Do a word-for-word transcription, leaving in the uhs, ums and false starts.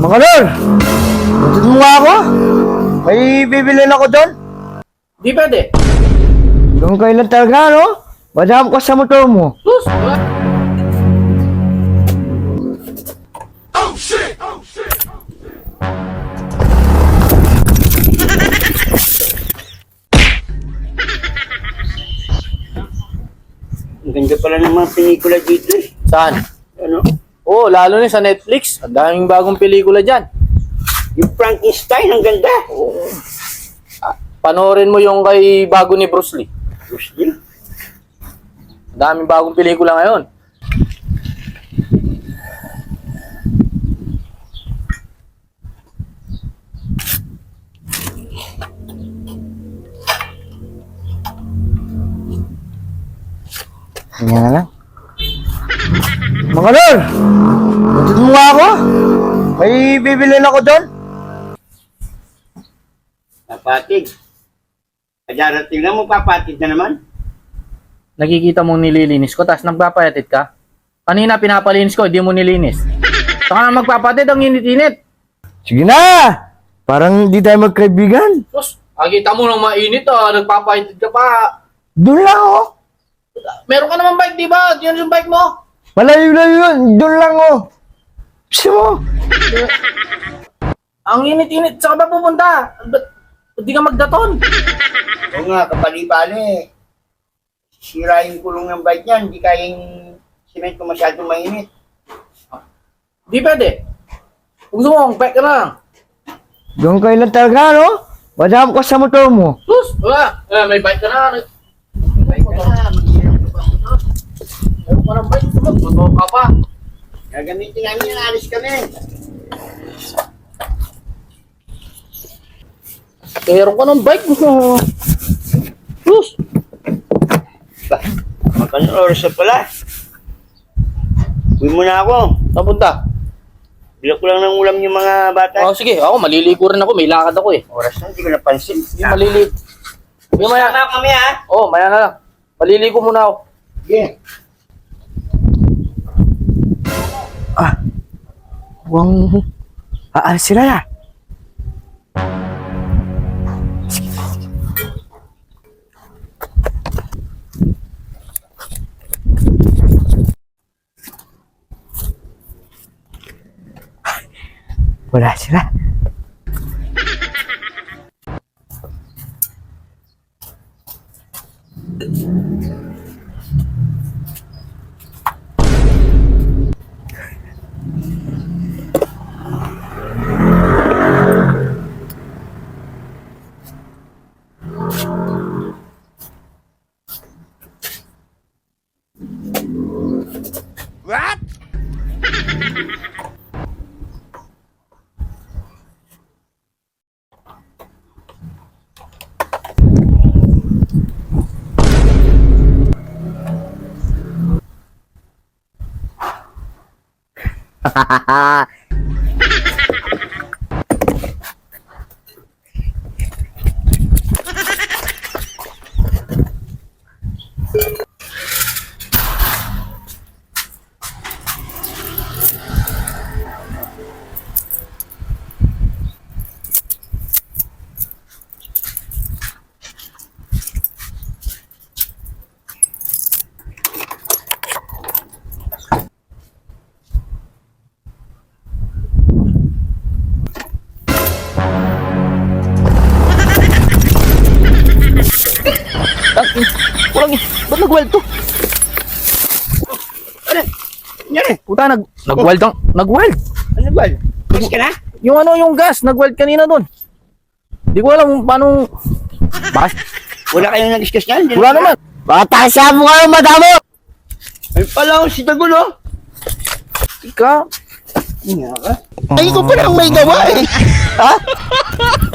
Mga lol, batid mo nga ako. May bibilin ako doon. Di pwede. Doon kayo lang talaga, no? Madam ko sa motor mo. Sus! Wala. Ang ganda pala ng mga pelikula dito eh. Saan? Ano? Oo, oh, lalo na sa Netflix. Ang daming bagong pelikula dyan. Yung Frankenstein, ang ganda. Panoorin mo yung kay bago ni Bruce Lee. Bruce Lee. Ang daming bagong pelikula ngayon. Ganyan na lang. Mga lol, batid mo nga ako. May bibilin ako doon. Papatid. Kadarating na mo, papatid na naman. Nakikita mong nililinis ko, tapos nagpapayatid ka. Kanina pinapalinis ko, hindi mo nilinis. Saka na magpapatid, ang init-init. Sige na! Parang di tayo magkaibigan. Sus, agita mo nang mainit ah, nagpapayatid ka pa. Doon lang ako. Meron ka naman bike, di ba? Yun yung bike mo. Malayo-layo yun. Doon lang ako. Gusto mo? Ang init-init, saan ka ba pupunta? Ba't di ka magdaton? Oo nga, kapali-pali. Sira yung kulong ng bike niyan, hindi kayang simento masyadong mainit. Di pwede. Kung gusto mo, bike ka na lang. Doon kayo lang talaga, no? Madam ko sa motor mo. Sus, wala. Eh, may bike ka na. Bike ka na, mag-iirap ka pa. Meron ka ng bike, motor ka pa. Gagamitin namin yan, alis kami. Meron ka ng bike. Sus. Magkano oras na pala? Uwi muna ako. Saan punta? Bilak ko lang ng ulam yung mga bata. Oh, sige. Ako, maliligo rin ako. May lakad ako eh. Oras na, hindi ko napansin. Yung maliligo. Yung maya. Sama kami ha. Oh, maya na lang. Maliligo muna ako. Yeah. Huwag aalis sila na. Wala sila. Walang eh. Ba't nag-weld to? Ano? Yan eh. Puta, nag nag-weld ang nag-weld. Ano ba? Mas ka na? Yung ano, yung gas, nag-weld kanina doon. Di ko alam kung paano. Bakit? Wala kayong nag-discuss yan? Wala naman. Bata siya mo kayo, madamo! Ay pala ako si Dagulo. Ika. Nga ka? Ay, ko pa lang may gawa eh. Ha?